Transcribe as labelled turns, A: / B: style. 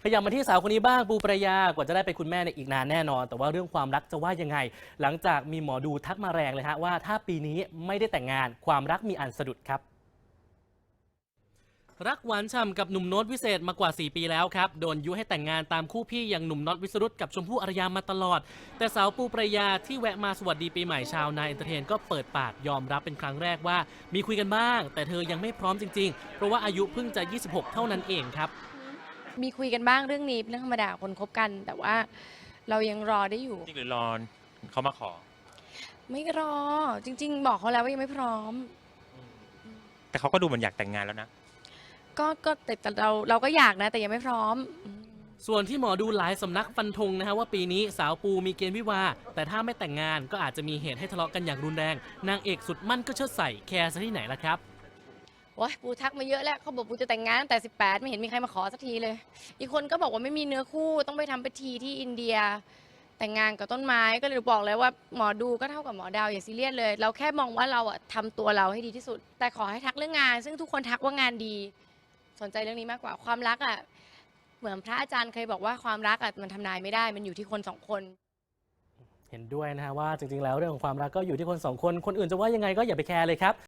A: ขยับมาที่สาวคนนี้บ้างปูปรายากว่าจะได้เป็นคุณแม่ในอีกนานแน่นอน แต่ว่าเรื่องความรักจะว่ายังไง หลังจากมีหมอดูทักมาแรงเลยฮะว่าถ้าปีนี้ไม่ได้แต่งงานความรักมีอันสะดุดครับรักหวานฉ่ำกับหนุ่มโน้ตวิเศษมากว่า 4 ปีแล้วครับโดนยุให้แต่งงานตามคู่พี่อย่างหนุ่มน็อตวิสรุตกับชมพู่อารยามาตลอดแต่สาวปูปรายาที่แวะมาสวัสดีปีใหม่ชาวนายเอนเตอร์เทนก็เปิดปากยอมรับเป็นครั้งแรกว่ามีคุยกันบ้างแต่เธอยังไม่พร้อมจริงๆเพราะว่าอายุเพิ่งจะ 26 เท่านั้นเองครับ
B: มีคุยกันบ้างเรื่องนี้เป็นเรื่องธรรมดาคนคบกัน แต่ว่าเรายังรอได้อยู่
C: จริงหรือรอเขามาขอ
B: ไม่รอจริงๆบอกเขาแล้วว่ายังไม่พร้อม
C: แต่เขาก็ดูเหมือนอยากแต่งงานแล้วนะ
B: ก็แต่เราก็อยากนะแต่ยังไม่พร้อม
A: ส่วนที่หมอดูหลายสำนักฟันธงนะฮะว่าปีนี้สาวปูมีเกณฑ์วิวาห์แต่ถ้าไม่แต่งงานก็อาจจะมีเหตุให้ทะเลาะกันอย่างรุนแรงนางเอกสุดมั่นก็เชิดใส่แคร์ซะที่ไหนล่ะครับ
B: โอ้ยปูทักมาเยอะแล้วเขาบอกปูจะแต่งงานตั้งแต่18ไม่เห็นมีใครมาขอสักทีเลยอีกคนก็บอกว่าไม่มีเนื้อคู่ต้องไปทำพิธีที่อินเดียแต่งงานกับต้นไม้ก็เลยบอกเลยว่าหมอดูก็เท่ากับหมอดาวอย่าซีเรียสเลยเราแค่มองว่าเราอะทำตัวเราให้ดีที่สุดแต่ขอให้ทักเรื่องงานซึ่งทุกคนทักว่างานดีสนใจเรื่องนี้มากกว่าความรักอ่ะเหมือนพระอาจารย์เคยบอกว่าความรักอ่ะมันทำนายไม่ได้มันอยู่ที่คนสองคน
A: เห็นด้วยนะฮะว่าจริงๆแล้วเรื่องของความรักก็อยู่ที่คนสองคนคนอื่นจะว่ายังไงก็อย่าไปแคร์เลยครับ